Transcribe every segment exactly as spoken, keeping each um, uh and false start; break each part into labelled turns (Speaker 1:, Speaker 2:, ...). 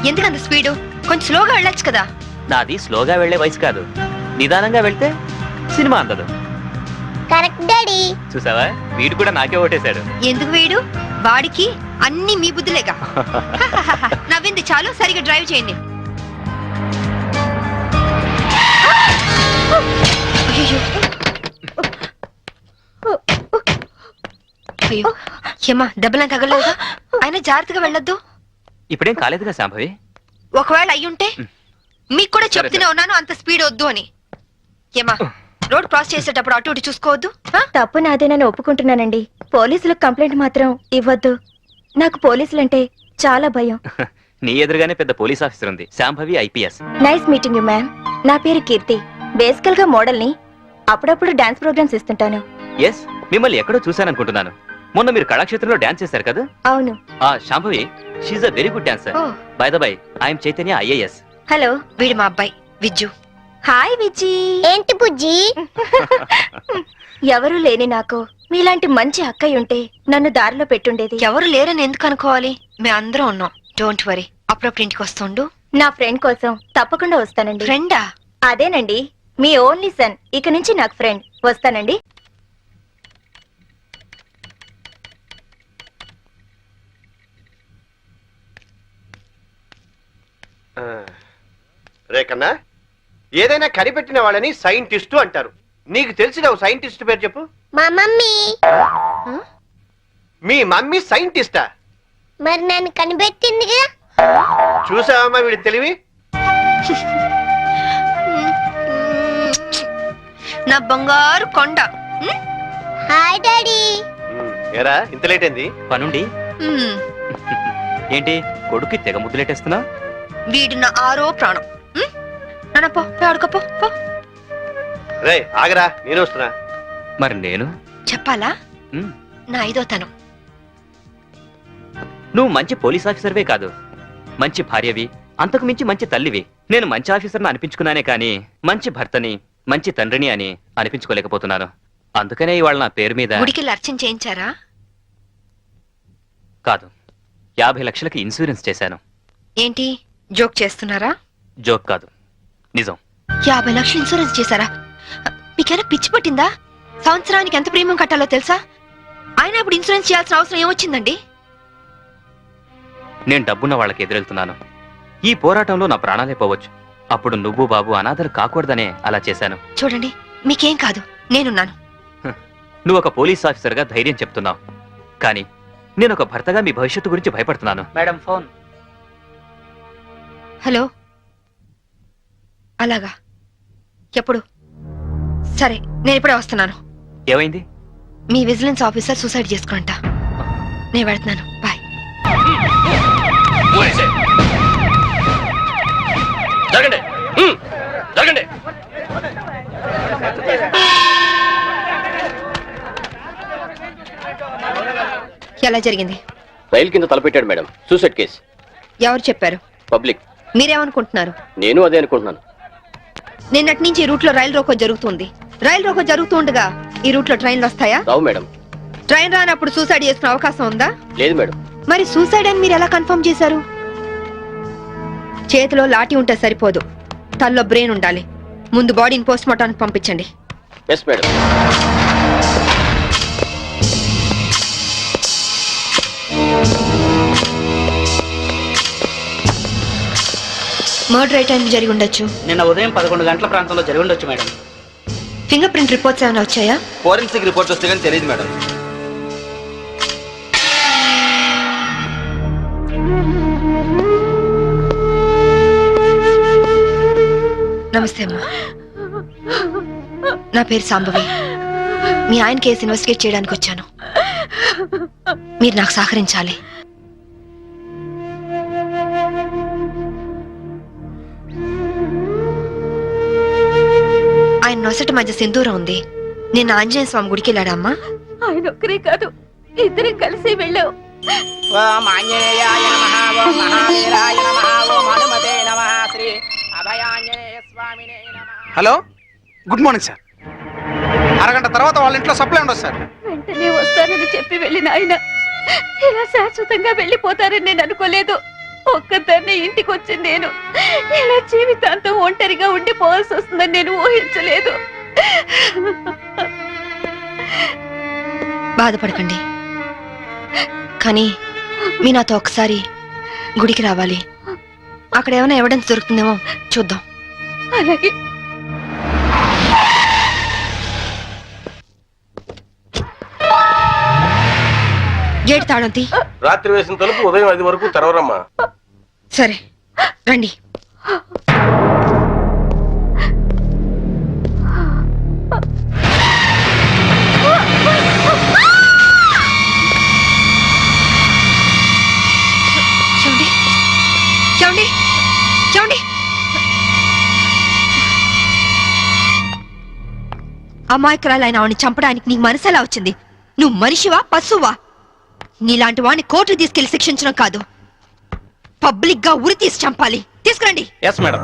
Speaker 1: ఎందుకంత స్పీడు? కొంచెం స్లోగా వెళ్ళొచ్చు కదా.
Speaker 2: నాది స్లోగా వెళ్లే వయసు కాదు, నిదానంగా వెళ్తే సినిమా అందదు.
Speaker 3: Correct daddy.
Speaker 2: చూసావా, వీడు కూడా నాకే ఓటేశాడు.
Speaker 1: ఎందుకు వీడు? వాడికి అన్ని మీ బుద్ధులేగా. నవ్వింది చాలు, సరిగా డ్రైవ్ చేయండి. అయ్యో అయ్యో ఏమా, దెబ్బలా తగలలేదా? అయినా జాగ్రత్తగా వెళ్ళొద్దు.
Speaker 2: ఇప్పుడేం కాలేదుగా శాంభవి.
Speaker 1: ఒకవేళ అయ్యుంటే మీకు కూడా చెప్తూనే ఉన్నాను అంత స్పీడ్ వద్దు అని. ఏమా, రోడ్ క్రాస్ చేసేటప్పుడు అటు ఇటు చూసుకోవద్దు.
Speaker 3: తప్పు నాదేనని ఒప్పుకుంటున్నానండి. పోలీసులకు కంప్లైంట్ మాత్రం ఇవ్వద్దు. నాకు పోలీసులంటే చాలా భయం.
Speaker 2: నీ ఎదురుగానే పెద్ద పోలీస్ ఆఫీసర్ ఉంది, Shambhavi IPS.
Speaker 3: Nice meeting you ma'am. నా పేరు కీర్తి. బేసికల్ గా మోడల్ ని. అప్పుడప్పుడు డాన్స్ ప్రోగ్రామ్స్ ఇస్తుంటాను.
Speaker 2: ఎస్, మిమ్మల్ని ఎక్కడో చూశాననుకుంటున్నాను. మొన్న మీరు కళాక్షేత్రంలో డాన్స్ చేశారు కదా?
Speaker 3: అవును.
Speaker 2: ఆ Shambhavi, she's a very good dancer. By the by, I'm Chaitanya IAS.
Speaker 3: Hello,
Speaker 1: వీడు మా అబ్బాయి విజ్జు.
Speaker 3: హాయ్ విజ్జి. ఏంటి బుజ్జి? ఎవరు లేని నాకు మీలాంటి మంచి అక్కయ్య ఉంటే నన్ను దారిలో పెట్టుండేది.
Speaker 1: ఎవరు లేరని ఎందుకు అనుకోవాలి? మేము అందరం ఉన్నాం. Don't worry. అప్పుడప్పుడు ఇంటికి వస్తుండు.
Speaker 3: నా ఫ్రెండ్ కోసం తప్పకుండా వస్తానండి.
Speaker 1: ఫ్రెండా?
Speaker 3: అదేనండి, మీ ఓన్లీ సన్. ఇక నుంచి నాకు ఫ్రెండ్. వస్తానండి.
Speaker 4: రేకన్నా, ఏదైనా కనిపెట్టిన వాళ్ళని సైంటిస్టు అంటారు. నీకు తెలిసిన ఓ సైంటిస్ట్ పేరు చెప్పు.
Speaker 3: మా మమ్మీ.
Speaker 4: మీ మమ్మీ సైంటిస్టా?
Speaker 3: మరి నన్ను కనిపెట్టిందిగా.
Speaker 4: చూసావమ్మా వీడి తెలివి.
Speaker 1: నా బంగారు కొండ.
Speaker 3: Hi daddy.
Speaker 4: ఏరా, ఇంత లేట్ అయింది?
Speaker 2: పనుండి. ఏంటి కొడుకు తెగ ముద్దులేటేస్తున్నా?
Speaker 1: వీడు నా ఆరో ప్రాణం. నాన్న పో, ఆడుకోపో.
Speaker 4: రే ఆగరా, నేను వస్తున్నా.
Speaker 2: మరి నేను
Speaker 1: చెప్పాలా?
Speaker 2: ఉమ్,
Speaker 1: నా ఐదో తనం.
Speaker 2: నువ్వు మంచి పోలీస్ ఆఫీసర్వే కాదు, మంచి భార్యవి, అంతకు మించి మంచి తల్లివి. నేను మంచి ఆఫీసర్ని అనిపించుకున్నానే కానీ మంచి భర్తని, మంచి తండ్రిని అని అనిపించుకోలేకపోతున్నాను. అందుకనే ఇవాళ నా పేరు మీద
Speaker 1: గుడికి అర్చన చేయించారా?
Speaker 2: కాదు, యాభై లక్షలకి ఇన్సూరెన్స్ చేశాను.
Speaker 1: ఏంటి జోక్ చేస్తున్నారా?
Speaker 2: జోక్ కాదు, నిజం.
Speaker 1: యాభై లక్షలు ఇన్సూరెన్స్ చేశారా? మీకేనా పిచ్చి పట్టిందా? సంవత్సరానికి ఎంత ప్రీమియం కట్టాలో తెలుసా? అయినా ఇప్పుడు ఇన్సూరెన్స్ చేయాల్సిన అవసరం ఏమొచ్చిందండి?
Speaker 2: నేను డబ్బున్న వాళ్ళకి ఎదురెళ్తున్నాను. ఈ పోరాటంలో నా ప్రాణాలే పోవచ్చు. అప్పుడు నువ్వు బాబు అనాథలు కాకూడదనే అలా చేశాను.
Speaker 1: చూడండి, మీకేం కాదు, నేనున్నాను.
Speaker 2: నువ్వు ఒక పోలీస్ ఆఫీసర్గా ధైర్యం చెప్తున్నావు, కానీ నేను ఒక భర్తగా మీ భవిష్యత్తు గురించి భయపడుతున్నాను.
Speaker 5: Madam phone.
Speaker 1: హలో. అలాగా, ఎప్పుడు? సరే, నేను ఇప్పుడే వస్తున్నాను.
Speaker 2: ఏమైంది?
Speaker 1: మీ విజిలెన్స్ ఆఫీసర్ సూసైడ్ చేసుకుంటా. నేను వెళ్తున్నాను. బాయ్.
Speaker 2: జరగండి, జరగండి.
Speaker 1: ఎలా జరిగింది?
Speaker 6: రైలు కింద తలపెట్టాడు మేడం. Suicide case.
Speaker 1: ఎవరు చెప్పారు?
Speaker 6: పబ్లిక్.
Speaker 1: మీరేమనుకుంటున్నారు?
Speaker 6: నేను అదే అనుకుంటున్నాను.
Speaker 1: నిన్నటి నుంచి ఈ రూట్ లో రైలు రోకో జరుగుతుంది. రైలు రోకో జరుగుతూ ఉండగా ఈ రూట్ లో ట్రైన్లు వస్తాయా?
Speaker 6: రావు మేడం.
Speaker 1: ట్రైన్ రానప్పుడు సూసైడ్ చేసుకునే అవకాశం ఉందా?
Speaker 6: లేదు మేడం.
Speaker 1: మరి సూసైడ్ అని మీరు ఎలా కన్ఫర్మ్ చేశారు? చేతిలో లాఠీ ఉంటే సరిపోదు, తల్లో బ్రెయిన్ ఉండాలి. ముందు బాడీని పోస్ట్ మార్టానికి పంపించండి.
Speaker 6: Yes madam.
Speaker 1: మర్డర్ ఏ టైం జరిగి ఉండొచ్చు?
Speaker 5: నిన్న ఉదయం పదకొండు గంటల ప్రాంతంలో జరిగి ఉండొచ్చు మేడం.
Speaker 1: ఫింగర్ ప్రింట్ రిపోర్ట్స్ ఏమైనా వచ్చాయా?
Speaker 4: ఫోరెన్సిక్ రిపోర్ట్ వస్తే కానీ తెలియదు మేడం.
Speaker 1: నమస్తే అమ్మా, నా పేరు సాంబవి. మీ ఆయన కేసు ఇన్వెస్టిగేట్ చేయడానికి వచ్చాను. మీరు నాకు సహకరించాలి. ఆయన నొసటి మధ్య సింధూరం ఉంది. నేను ఆంజనేయ స్వామి గుడికి వెళ్ళాడమ్మా.
Speaker 3: ఆయన ఒక్కరే కాదు, ఇద్దరం కలిసి వెళ్ళావు.
Speaker 5: ఓం ఆంజనేయాయ నమః, ఓం మహావీరాయ నమః, ఓం హనుమతే నమః, శ్రీ అభయాంజనేయ స్వామినే నమః.
Speaker 7: Hello, good morning sir. అరగంట తర్వాత వాళ్ళ ఇంట్లో సప్లై ఉండదు సార్.
Speaker 3: వెంటనే వస్తానని చెప్పి వెళ్ళిన ఆయన ఇలా శాశ్వతంగా వెళ్ళిపోతారని నేను అనుకోలేదు. ఒక్కదాన్ని ఇంటికి వచ్చింది నేను ఇలా జీవితాంతం ఒంటరిగా ఉండిపోవాల్సి వస్తుందని నేను ఊహించలేదు.
Speaker 1: బాధపడకండి, కానీ మీ నాతో ఒకసారి గుడికి రావాలి. అక్కడ ఏమైనా ఎవిడెన్స్ దొరుకుతుందేమో చూద్దాం.
Speaker 3: అలాగే.
Speaker 1: గేట్ తాళం తీ.
Speaker 8: రాత్రి వేసిన తలుపు ఉదయం ఐదు వరకు తెరవరమ్మా.
Speaker 1: సరే రండి. చూడండి చూడండి చూడండి. అమాయకురాలైన ఆవిని చంపడానికి నీకు మనసు ఎలా వచ్చింది? నువ్వు మనిషివా పశువా? నీలాంటి వాడిని కోర్టుకు తీసుకెళ్లి శిక్షించడం కాదు, పబ్లిక్ గా ఉరి తీసి చంపాలి. తీసుకురండి.
Speaker 7: Yes madam.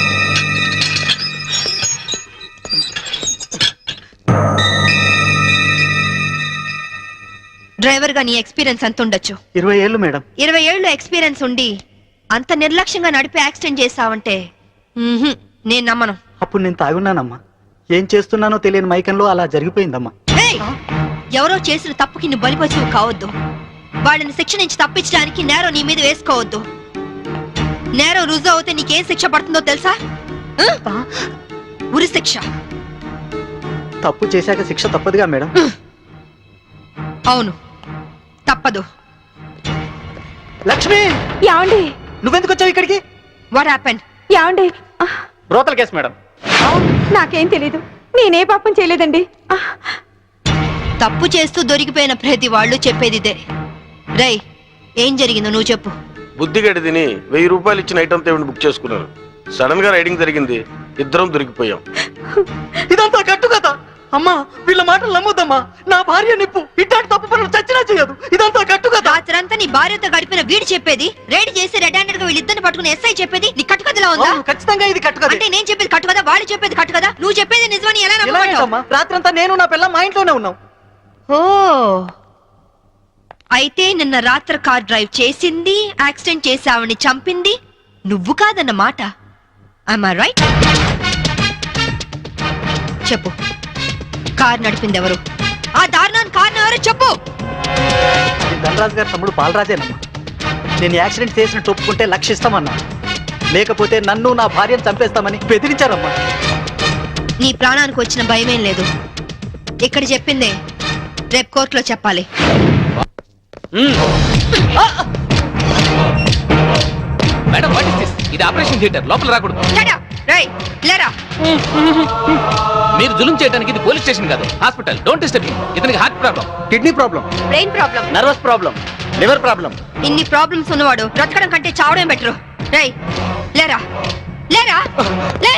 Speaker 1: డ్రైవర్ గా నీ ఎక్స్పీరియన్స్ ఎంత ఉండొచ్చు?
Speaker 9: ఇరవై ఏళ్ళు మేడం.
Speaker 1: ఇరవై ఏళ్ళు ఎక్స్పీరియన్స్ ఉండి అంత నిర్లక్ష్యంగా నడిపి యాక్సిడెంట్ చేసావంటే మ్మ్హ్మ్, నేను నమ్మను.
Speaker 9: అప్పుడు నేను తాగున్నానమ్మా. ఏం చేస్తున్నానో తెలియని మైకంలో అలా జరిగిపోయిందమ్మా.
Speaker 1: ఏయ్! ఎవరో చేసిన తప్పుకి నువ్వు బలిపశువు కావద్దు. వాళ్ళని శిక్ష నుంచి తప్పించడానికి నేరం నీ మీద వేసుకోవద్దు. నేరం రుజువు అవుతే నీకేం శిక్ష పడుతుందో తెలుసా? ఆ? ఉరి శిక్ష.
Speaker 9: తప్పు చేశాక శిక్ష తప్పదుగా మేడం.
Speaker 1: అవును, తప్పదు.
Speaker 9: లక్ష్మి,
Speaker 3: యాండి
Speaker 9: నువ్వెందుకు వచ్చావు ఇక్కడికి?
Speaker 1: What happened?
Speaker 3: యాండి
Speaker 7: బ్రోతల్ కేసు మేడం.
Speaker 3: నాకేం తెలీదు, నేనే పాపం చేయలేదండి.
Speaker 1: తప్పు చేస్తూ దొరికిపోయిన ప్రతి వాళ్ళు చెప్పేది ఇదే. రేయ్, ఏం జరిగిందో నువ్వు చెప్పు.
Speaker 8: బుద్ధిగడి తిని వెయ్యి రూపాయలు ఇచ్చిన ఐటమ్ తేవిని బుక్ చేసుకున్నారు. సడన్ గా రైడింగ్ జరిగింది, ఇద్దరం దొరికిపోయాం.
Speaker 9: ఇదంతా కట్టు కదా అమ్మా. వీళ్ళ మాటలు నమ్మొద్దమ్మా. నా భార్య నిప్పు ఇట్లాంటి తప్పు పనులు చచ్చినా చేయదు. ఇదంతా కట్టు కదా.
Speaker 1: రాత్రంతా నీ భార్యతో గడిపిన వీడు చెప్పేది, రైడ్ చేసి రెడ్ హ్యాండెడ్ గా వీళ్ళిద్దరిని పట్టుకుని ఎస్ఐ చెప్పేది నీ కట్టుకథలా ఉందా?
Speaker 9: అవును, ఖచ్చితంగా ఇది కట్టు కదా.
Speaker 1: అంటే నేను చెప్పేది కట్టు కదా, వాళ్ళు చెప్పేది కట్టు కదా. నువ్వు చెప్పేది నిజమని ఎలా నమ్ముకుంటావు?
Speaker 9: రాత్రంతా నేను నా పిల్ల మా ఇంట్లోనే ఉన్నాం.
Speaker 1: ఓ, అయితే నిన్న రాత్రి కార్ డ్రైవ్ చేసింది, యాక్సిడెంట్ చేసి ఆవిడ్ని చంపింది నువ్వు కాదన్న మాట. Am I right? చెప్పు, కార్ నడిపింది ఎవరు? ఆ దారుణాన్ని కారణం ఎవరు చెప్పు.
Speaker 9: అది ధనరాజు గారి తమ్ముడు బాలరాజేనమ్మా. నేను యాక్సిడెంట్ చేసినట్టు ఒప్పుకుంటే లక్షిస్తామన్నా, లేకపోతే నన్ను నా భార్యను చంపేస్తామని బెదిరించారమ్మా.
Speaker 1: నీ ప్రాణానికి వచ్చిన భయమేం లేదు. ఇక్కడ చెప్పిందే రేపు కోర్టులో చెప్పాలి.
Speaker 2: Madam, what is this? ఇది ఆపరేషన్ థియేటర్, లోపల రాకూడదు.
Speaker 1: Shut up! రేయ్, లేరా.
Speaker 2: మీరు జులుం చేయడానికి ఇది పోలీస్ స్టేషన్ కాదు, హాస్పిటల్. Don't disturb me. ఇతనికి heart problem,
Speaker 9: kidney problem,
Speaker 1: brain problem,
Speaker 9: nervous problem, liver problem.
Speaker 1: ఇన్ని ప్రాబ్లమ్స్ ఉన్నవాడు బ్రతకడం కంటే చావడం బెటరు. రేయ్, లేరా లేరా లే.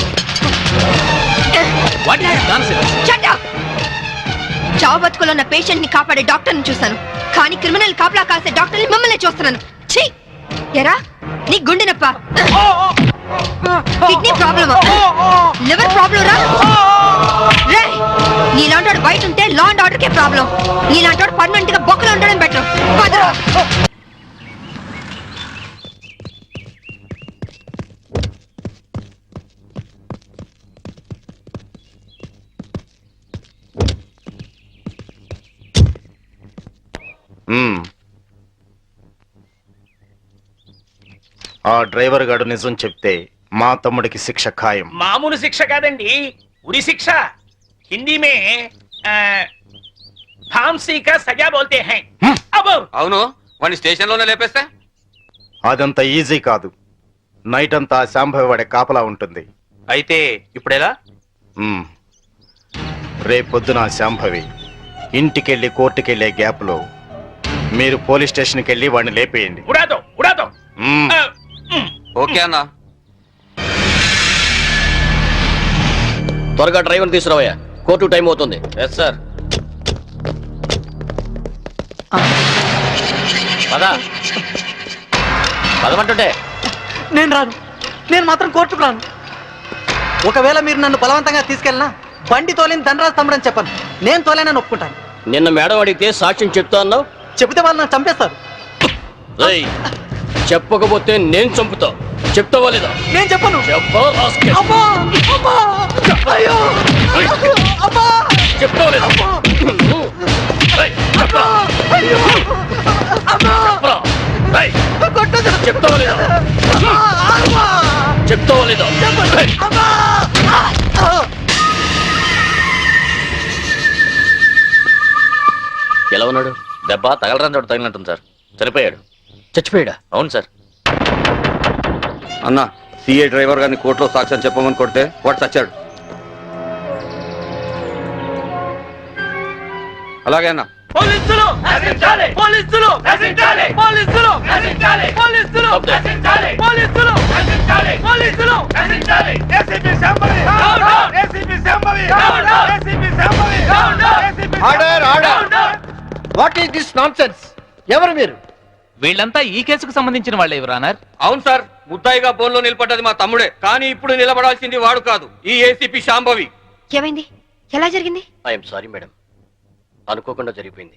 Speaker 2: What is nonsense?
Speaker 1: Shut up! చావు బతుకులో ఉన్న పేషెంట్ ని కాపాడే డాక్టర్ ని చూస్తాను, కానీ క్రిమినల్ కాపలా కాసే డాక్టర్ ని మిమ్మల్ని చూస్తున్నాను. ఛీ! ఎరా, నీ గుండె నొప్ప, కిడ్నీ ప్రాబ్లమా, లివర్ ప్రాబ్లం రా. రే, నీలాంటి బయట ఉంటే లా అండ్ ఆర్డర్ కే ప్రాబ్లం. నీలాంటి పర్మనెంట్ గా బొక్కలో ఉండడం బెటర్.
Speaker 4: ఆ డ్రైవర్ గాడు నిజం చెప్తే మా తమ్ముడికి శిక్ష ఖాయం.
Speaker 5: మామూలు శిక్ష కాదండి, ఉరి శిక్ష. హిందీ మే ఆ, फांसी का सजा बोलते हैं. అబ్బో,
Speaker 2: అవును, వాడిని స్టేషన్ లోనే లేపేస్తే
Speaker 4: అదంత ఈజీ కాదు. నైట్ అంతా శాంభవి వాడే కాపలా ఉంటుంది.
Speaker 2: అయితే ఇప్పుడెలా?
Speaker 4: మ్మ్. రేపొద్దున శాంభవి ఇంటికెళ్ళి కోర్టుకెళ్లే గ్యాప్ లో మీరు పోలీస్ స్టేషన్కి వెళ్ళి వాడిని లేపేయండి.
Speaker 5: ఉడా దో, ఉడా దో.
Speaker 4: మ్మ్.
Speaker 5: ఆ, మ్.
Speaker 2: ఓకే అన్న.
Speaker 6: త్వరగా డ్రైవర్ తీసుకురావయ్యా, కోర్టు టైం అవుతుంది.
Speaker 2: Yes sir.
Speaker 6: పద పదమంటుంటే.
Speaker 9: నేను రాను, నేను మాత్రం కోర్టుకు రాను. ఒకవేళ మీరు నన్ను బలవంతంగా తీసుకెళ్ళినా బండి తోలేని ధనరాజు తమ్ముడని చెప్పను. నేను తోలేనని ఒప్పుకుంటాను.
Speaker 6: నిన్న మేడం అడిగితే సాక్ష్యం చెప్తా అన్నావు.
Speaker 9: చెబితే వాళ్ళు నన్ను చంపేస్తారు.
Speaker 6: ఏయ్, చెప్పకపోతే నేను చంపుతా. చెప్తావా లేదా?
Speaker 9: నేను చెప్పను.
Speaker 6: చెప్పా రాస్కెల్.
Speaker 9: అమ్మా! అమ్మా! అయ్యో! అమ్మా!
Speaker 6: చెప్తావా లేదా? ఏయ్, చెప్పరా?
Speaker 9: అయ్యో! అమ్మా!
Speaker 6: చెప్పరా? ఏయ్,
Speaker 9: కొట్టొద్దు.
Speaker 6: చెప్తావా లేదా?
Speaker 9: అమ్మా!
Speaker 6: చెప్తావా లేదా? ఏయ్,
Speaker 9: అమ్మా!
Speaker 6: ఎలా ఉన్నాడు? దెబ్బ తగలరాని చోట తగిలినట్టుంది సార్. చనిపోయాడు.
Speaker 2: చచ్చిపోయాడా?
Speaker 6: అవును సార్.
Speaker 10: అన్న సిఏ డ్రైవర్ గారిని కోర్టులో సాక్ష్యం చెప్పమని కొడితే వాడు చచ్చాడు. అలాగే అన్న.
Speaker 5: పోలీసులు నశించాలి పోలీసులు నశించాలి పోలీసులు నశించాలి పోలీసులు నశించాలి పోలీసులు నశించాలి పోలీసులు నశించాలి ACP Shambhavi down down ACP Shambhavi down down ACP Shambhavi down down ACP
Speaker 4: order order what is this nonsense? ఎవరు మీరు?
Speaker 5: వీళ్ళంతా ఈ కేసుకు సంబంధించిన వాళ్ళే యువరానర్.
Speaker 10: అవును సార్, ముద్దాయిగా బోన్లో నిలబడ్డది మా తమ్ముడే, కానీ ఇప్పుడు నిలబడాల్సింది వాడు కాదు, ఈ ఏసీపీ శాంభవి.
Speaker 1: ఏమైంది? ఎలా జరిగింది?
Speaker 6: ఐఎమ్ సారీ మేడం, అనుకోకుండా జరిగిపోయింది.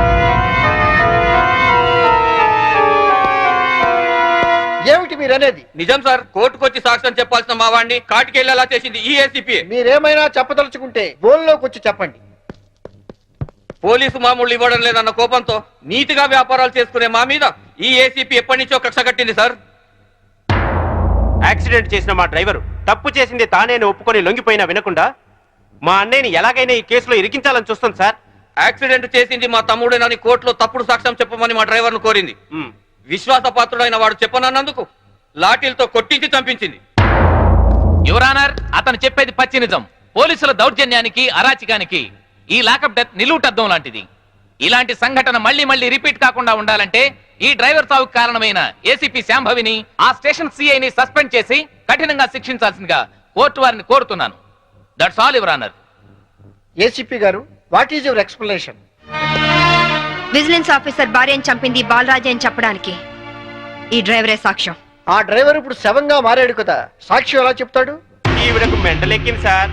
Speaker 4: ఏమిటి మీరు అనేది?
Speaker 10: నిజం సార్, కోర్టుకొచ్చి సాక్ష్యం చెప్పాల్సిన మా వాడిని కాటికెళ్ళేలా చేసింది ఈ ఏసీపీ.
Speaker 4: మీరేమైనా చెప్పదలుచుకుంటే బోన్లోకి వచ్చి చెప్పండి.
Speaker 10: పోలీసు మామూలు ఇవ్వడం లేదన్న కోపంతో నీతిగా వ్యాపారాలు చేసుకునే మా మీద ఈ ఏసీపీ ఎప్పటి నుంచో కక్ష కట్టింది సార్.
Speaker 4: యాక్సిడెంట్ చేసిన మా డ్రైవరు తప్పు చేసింది తానేని ఒప్పుకొని లొంగిపోయినా వినకుండా మా అన్నయ్యని ఎలాగైనా ఈ కేసులో ఇరికించాలని చూస్తుంది సార్.
Speaker 10: యాక్సిడెంట్ చేసింది మా తమ్ముడేనని కోర్టులో తప్పుడు సాక్ష్యం చెప్పమని మా డ్రైవర్ ను కోరింది. విశ్వాసపాత్రుడైన వాడు చెప్పనన్నందుకు లాఠీలతో కొట్టించి చంపించింది.
Speaker 5: యువరానర్, అతను చెప్పేది పచ్చి నిజం. పోలీసుల దౌర్జన్యానికి అరాచకానికి ఈ లాకప్ డెత్ నిలువుటద్దం లాంటిది. ఇలాంటి సంఘటన మళ్లీ మళ్లీ రిపీట్ కాకుండా ఉండాలంటే ఈ డ్రైవర్ సావుకు కారణమైన ఏసీపీ శాంభవిని, ఆ స్టేషన్ సిఐని సస్పెండ్ చేసి కఠినంగా శిక్షించాల్సిందిగా కోర్టు వారిని కోరుతున్నాను. That's all your honour.
Speaker 4: ACP గారు, what is your explanation?
Speaker 1: Vigilance officer భార్యను చంపింది బాలరాజే అని చెప్పడానికి ఈ డ్రైవరే సాక్ష్యం.
Speaker 4: ఆ డ్రైవర్ ఇప్పుడు శవంగా మారాడు కదా, సాక్షి ఎలా చెప్తాడు? ఈవిడకు మెంటలెక్కింది సార్.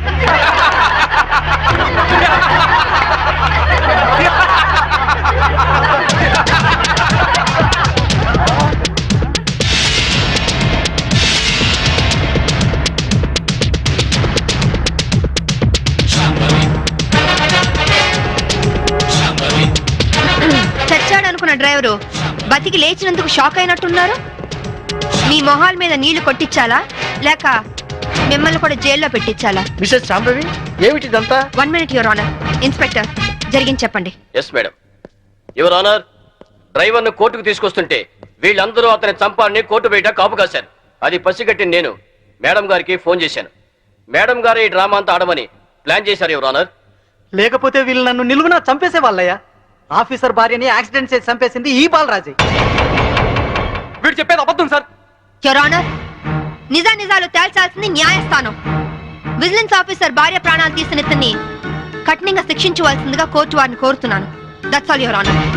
Speaker 1: చచ్చాడనుకున్న డ్రైవరు బతికి లేచినందుకు షాక్ అయినట్టున్నారు. మీ మొహాల మీద నీళ్లు కొట్టించాలా లేక మిమ్మల్ని కూడా జైల్లో పెట్టించాలా?
Speaker 4: మిసెస్ శాంభవి, ఏమిటిదంతా?
Speaker 1: One minute your honour. Inspector, జరిగింది చెప్పండి.
Speaker 6: Yes madam. Your honour, driver ను కోర్టుకు తీసుకొస్తుంటే వీళ్ళందరూ అతని చంపాలని కోర్టు బయట కాపు కాశారు. అది పసిగట్టి నేను మేడం గారికి ఫోన్ చేశాను. మేడం గారు ఈ డ్రామా అంతా ఆడమని ప్లాన్ చేశారు యువర్ ఆనర్.
Speaker 9: లేకపోతే వీళ్ళు నన్ను నిలువునా చంపేసే వాళ్ళయ్యా. ఆఫీసర్ భార్యని యాక్సిడెంట్ చేసి చంపేసింది ఈ బాలరాజే.
Speaker 10: వీడు చెప్పేది అబద్ధం సార్.
Speaker 1: యువర్ ఆనర్, నిజా నిజాలు తేల్చాల్సింది న్యాయస్థానం. విజిలెన్స్ ఆఫీసర్ భార్య ప్రాణాలు తీసిన ఇతన్ని కఠినంగా శిక్షించవలసిందిగా కోర్టు వారిని కోరుతున్నాను. That's all your honour.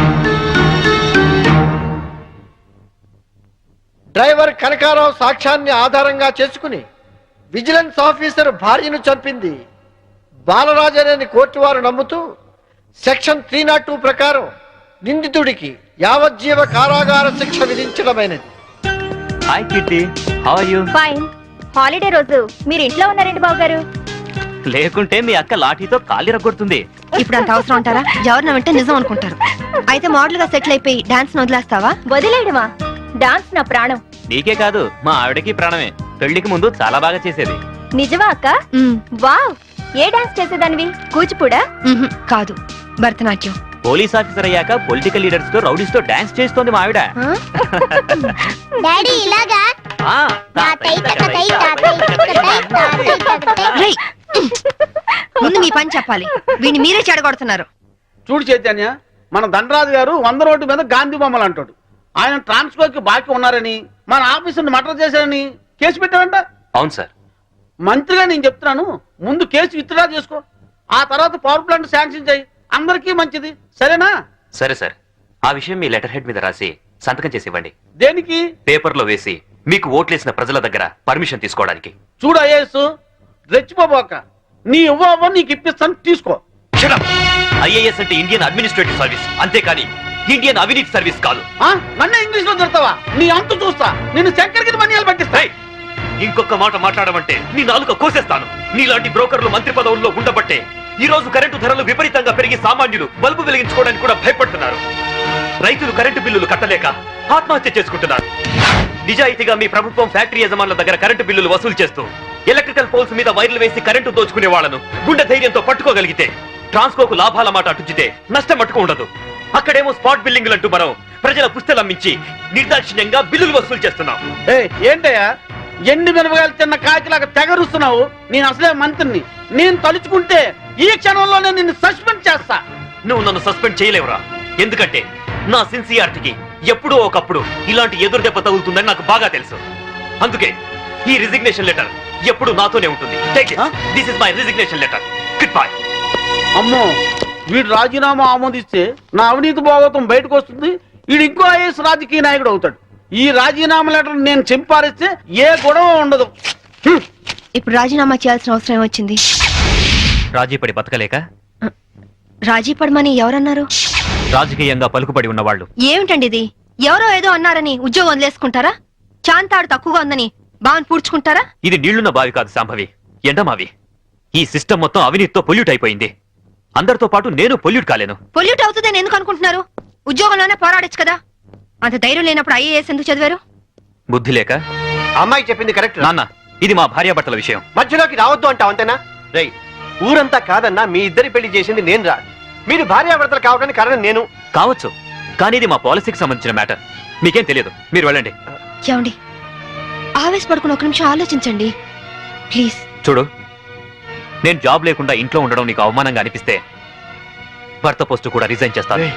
Speaker 4: Driver Kanakarao సాక్ష్యాన్ని ఆధారంగా చేసుకుని విజిలెన్స్ ఆఫీసర్ భార్యను చంపింది బాలరాజనేని కోర్టు వారు నమ్ముతూ సెక్షన్ త్రీ నాట్ టూ ప్రకారం నిందితుడికి యావజ్జీవ కారాగార శిక్ష విధించడమైనది.
Speaker 2: Hi Kitty, how are you?
Speaker 3: Fine. Holiday రోజు మీరు ఇంట్లో ఉన్నారండి బాబు గారు.
Speaker 2: లేకుంటే మీ అక్క లాఠీతో కాలి రగ్గొడుతుంది.
Speaker 1: ఇప్పుడు అంత అవసరం అంటారా? ఎవరిన వింటే నిజం అనుకుంటారు. అయితే మోడల్ గా సెటిల్ అయిపోయి డాన్స్ వదిలేస్తావా?
Speaker 3: వదిలేయడమా? డాన్స్ నా ప్రాణం.
Speaker 2: నీకే కాదు, మా ఆవిడకి ప్రాణమే. పెళ్లికి ముందు చాలా బాగా చేసేది.
Speaker 3: నిజమా అక్క?
Speaker 1: మ్మ్.
Speaker 3: వావ్, ఏ డాన్స్ చేసేదానివి? కూచిపూడా?
Speaker 1: మ్మ్హ్. కాదు, భరతనాట్యం.
Speaker 2: పోలీస్ ఆఫీసర్ అయ్యాక పొలిటికల్ లీడర్స్ తో రౌడీస్ తో డాన్స్ చేస్తోంది మా ఆవిడ.
Speaker 3: డాడీ ఇలాగా?
Speaker 2: ఆ,
Speaker 1: రేయ్, ముందు మీ పని చెప్పాలి. వీడిని మీరే చెడగొడుతున్నారు.
Speaker 7: చూడు చైతన్య, మన దండరాజు గారు వంద రోడ్డు మీద గాంధీ బొమ్మలు అంటాడు. ఆయన ట్రాన్స్ఫర్ కి బాకీ ఉన్నారని, మన ఆఫీసుని మర్డర్ చేశారని కేసు పెట్టారంట.
Speaker 2: అవును సార్.
Speaker 7: మంత్రిగా నేను చెప్తున్నాను, ముందు కేసు విత్డ్రా చేసుకో, ఆ తర్వాత పవర్ ప్లాంట్ శాంక్షన్ చేయి. అందరికీ మంచిది, సరేనా?
Speaker 2: సరే సార్, ఆ విషయం మీ లెటర్ హెడ్ మీద రాసి సంతకం చేసి ఇవ్వండి.
Speaker 7: దేనికి?
Speaker 2: పేపర్ లో వేసి మీకు ఓట్లేసిన ప్రజల దగ్గర పర్మిషన్ తీసుకోవడానికి.
Speaker 7: చూడు ఐఏఎస్, రెచ్చిపోబోక, నీ ఇవ్వ నీకు ఇప్పిస్తాను, తీసుకో.
Speaker 2: ఐఏఎస్ అంటే ఇండియన్ అడ్మినిస్ట్రేటివ్ సర్వీస్, అంతేకాని ఇండియన్ అవినీతి సర్వీస్ కాదు.
Speaker 7: ఆ? నన్నే ఇంగ్లీష్ లో తిడతావా? నీ అంతు చూస్తా. నిన్ను చక్కెరకి మనియాలు పట్టిస్తా.
Speaker 2: ఏయ్! ఇంకొక మాట మాట్లాడమంటే నీ నాలుక కోసేస్తాను. నీలాంటి బ్రోకర్లు మంత్రి పదవుల్లో ఉండబట్టే ఈ రోజు కరెంటు ధరలు విపరీతంగా పెరిగి సామాన్యులు బల్బు వెలిగించుకోవడానికి కూడా భయపడుతున్నారు. రైతులు కరెంటు బిల్లులు కట్టలేక ఆత్మహత్య చేసుకుంటున్నారు. నిజాయితీగా మీ ప్రభుత్వం ఫ్యాక్టరీ యజమానుల దగ్గర కరెంటు బిల్లులు వసూలు చేస్తూ ఎలక్ట్రికల్ పోల్స్ మీద వైర్లు వేసి కరెంటు దోచుకునే వాళ్లను గుండె ధైర్యంతో పట్టుకోగలిగితే ట్రాన్స్కోకు లాభాల మాట అటుచితే నష్టం మట్టుకు ఉండదు. అక్కడేమో స్పాట్ బిల్లింగ్లు అంటూ మనం ప్రజల పుస్తలు అమ్మించి నిర్దాక్షిణ్యంగా బిల్లులు వసూలు చేస్తున్నాం.
Speaker 7: ఏయ్, ఏంటయ్యా ఎండి మిరపకాయలు తిన్న కాకిలాగా తెగరుస్తున్నావు? నేను అసలే మంత్రిని. నేను తలుచుకుంటే ఈ క్షణంలోనే నిన్ను సస్పెండ్ చేస్తా.
Speaker 2: నువ్వు నన్ను సస్పెండ్ చేయలేవురా. ఎందుకంటే నా సిన్సియారిటీకి ఎప్పుడో ఒకప్పుడు ఇలాంటి ఎదురు దెబ్బ తగులుతుందని నాకు బాగా తెలుసు. అందుకే ఈ రిజిగ్నేషన్ లెటర్ ఎప్పుడు నాతోనే ఉంటుంది. This is my resignation letter. Good bye.
Speaker 7: అమ్మో, వీడు రాజీనామా ఆమోదిస్తే నా అవినీతి భాగవతం బయటకు వస్తుంది. వీడు ఇంకో ఐఎస్ రాజకీయ నాయకుడు అవుతాడు. ఈ రాజీనామా లెటర్ నేను చింపారిస్తే ఏ గొడవ ఉండదు. హ్మ్.
Speaker 1: ఇప్పుడు రాజీనామా చేయాల్సిన అవసరం వచ్చింది.
Speaker 2: రాజీ పడి బతకలేక
Speaker 1: రాజీ పడమని ఎవరన్నారు?
Speaker 2: రాజకీయంగా పలుకుబడి ఉన్నవాళ్ళు.
Speaker 1: ఏమిటండి ఇది? ఎవరో ఏదో అన్నారని ఉద్యోగం వదిలేసుకుంటారా? చాంతాడు తక్కువగా ఉందని బావని పూడ్చుకుంటారా?
Speaker 2: ఇది నీళ్లున్న బావి కాదు శాంభవి, ఎండమావి. ఈ సిస్టమ్ మొత్తం అవినీతితో పొల్యూట్ అయిపోయింది. అందరితో పాటు నేను పొల్యూట్ కాలేను.
Speaker 1: పొల్యూట్ అవుతుందని ఎందుకు అనుకుంటున్నారు? ఉద్యోగంలోనే పోరాడొచ్చు కదా. అంత ధైర్యం లేనప్పుడు ఐఏఎస్ ఎందుకు చదివారు?
Speaker 2: బుద్ధి లేక.
Speaker 4: అమ్మాయి చెప్పింది కరెక్ట్.
Speaker 2: నాన్న, ఇది మా భార్యాభర్తల విషయం.
Speaker 4: మధ్యలోకి రావద్దు అంటావు అంతేనా? రై, ఊరంతా కాదన్నా మీ ఇద్దరి పెళ్లి చేసింది నేను రా. మీరు భార్యాభర్తలు కావడానికి కారణం నేను
Speaker 2: కావచ్చు, కానీ ఇది మా పాలసీకి సంబంధించిన మ్యాటర్. మీకేం తెలియదు, మీరు వెళ్ళండి.
Speaker 1: ఏమండి, ఆవేశపడుకుని ఒక నిమిషం ఆలోచించండి ప్లీజ్.
Speaker 2: చూడు, నేను జాబ్ లేకుండా ఇంట్లో ఉండడం నీకు అవమానంగా అనిపిస్తే భర్త పోస్టు కూడా రిజైన్ చేస్తాను.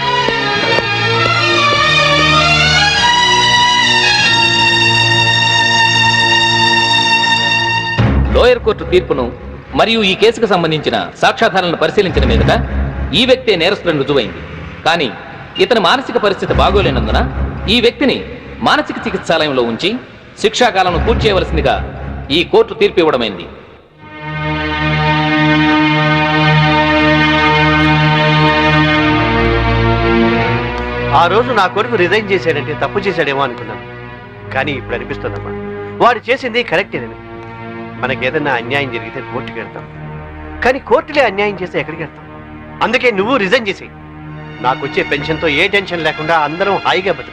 Speaker 5: లోయర్ కోర్టు తీర్పును మరియు ఈ కేసుకు సంబంధించిన సాక్ష్యాధారాలను పరిశీలించిన మీదట ఈ వ్యక్తే నేరస్తులను రుజువైంది. కానీ ఇతని మానసిక పరిస్థితి బాగోలేనందున ఈ వ్యక్తిని మానసిక చికిత్సాలయంలో ఉంచి శిక్షాకాలను పూర్తి చేయవలసిందిగా ఈ కోర్టు తీర్పు ఇవ్వడమైంది.
Speaker 4: ఆ రోజు నా కొడుకు రిజైన్ చేశాడంటే తప్పు చేశాడేమో అనుకున్నాను. కానీ ఇప్పుడు అనిపిస్తుందమ్మా, వాడు చేసింది కరెక్టేనని. మనకేదన్నా అన్యాయం జరిగితే కోర్టుకి వెళ్తాం, కానీ కోర్టులే అన్యాయం చేస్తే ఎక్కడికి వెళ్తాం? అందుకే నువ్వు రిజైన్ చేసేయి. నాకు వచ్చే పెన్షన్తో ఏ టెన్షన్ లేకుండా అందరం హాయిగా బతుకు.